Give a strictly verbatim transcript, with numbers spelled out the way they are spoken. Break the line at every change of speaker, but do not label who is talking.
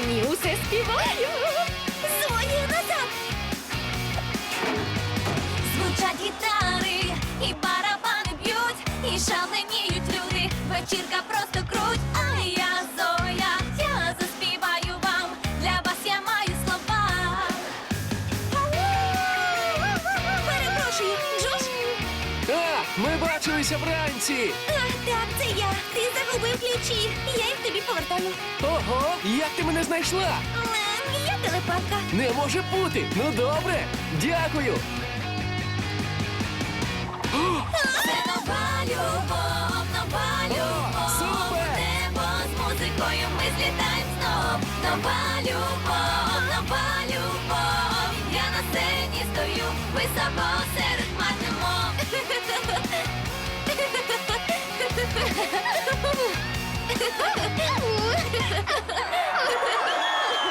сцені усе співаю.
Зоні, назад! Звучать гітари, і барабани б'ють, і шаленіють люди. Вечірка просто круть, а я Зоя, я заспіваю вам. Для вас я маю слова. Перепрошую, Джош?
А, ми бачилися вранці!
А, так, це я. Ти загубив ключі. Я їх тобі повертаю.
Ого, як ти мене знайшла?
Лем, я телепатка.
Не може бути! Ну добре! Дякую!
Це нова любов, нова любов.
супер!
У небо з музикою ми злітаємо знов. Нова любов, нова любов. Я на сцені стою, високо серед хмар немов.